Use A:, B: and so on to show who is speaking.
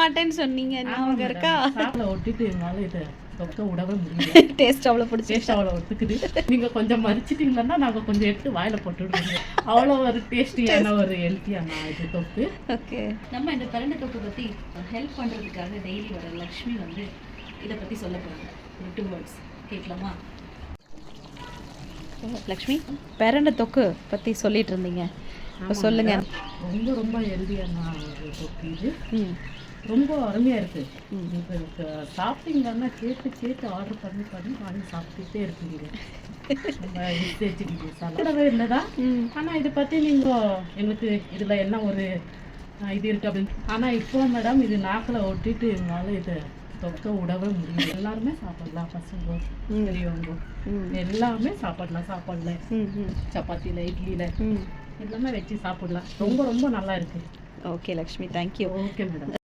A: மாட்டேன்னு சொன்னீங்க ஞாபகம் இருக்கா?
B: சாப்பிட ஒட்டிட்டு எங்களால் இதை தொக்க விடவே முடியல.
A: டேஸ்ட் அவ்வளோ பிடிச்சி
B: டேஸ்ட் அவ்வளோ ஒத்துக்குது. நீங்கள் கொஞ்சம் மறிச்சிட்டிங்கன்னா நாங்கள் கொஞ்சம் எடுத்து வாயில் போட்டு விடுவோம். அவ்வளோ ஒரு டேஸ்டியான ஒரு ஹெல்த்தியான இது தொக்கு.
A: ஓகே,
C: நம்ம இந்த பிரண்டை தொக்கு பற்றி ஹெல்ப் பண்ணுறதுக்காக டெய்லி வர லக்ஷ்மி வந்து இதை பற்றி சொல்ல போகிறாங்க. 2 words கேட்கலாமா?
A: லக்ஷ்மி, பிரண்டை தொக்கு பற்றி சொல்லிட்டு இருந்தீங்க, இப்போ சொல்லுங்க.
B: ரொம்ப ரொம்ப ஹெல்த்தியான ஒரு தொக்கு இது.
A: ம்,
B: ரொம்ப அருமையாக இருக்குது. உங்களுக்கு சாப்பிட்டீங்கன்னா கேட்டு ஆர்டர் பண்ணி வாங்கி சாப்பிட்டுட்டே இருக்கீங்க. ரொம்ப ஈஸியாக சாப்பிடவே இல்லைதான். ஆனால் இதை பற்றி நீங்கள் எங்களுக்கு இதில் என்ன ஒரு இது இருக்குது அப்படின்னு. ஆனால் இப்போ மேடம் இது நாக்கில் ஒட்டிட்டு எங்களால் இதை தொக்க விடவே முடியும். எல்லாருமே சாப்பிடலாம், பசங்க பெரியவங்க எல்லாமே சாப்பிடலாம். சப்பாத்தியில் இட்லியில் எல்லாமே வச்சு சாப்பிடலாம். ரொம்ப ரொம்ப நல்லா இருக்குது.
A: Okay Lakshmi, thank you.
B: Okay madam.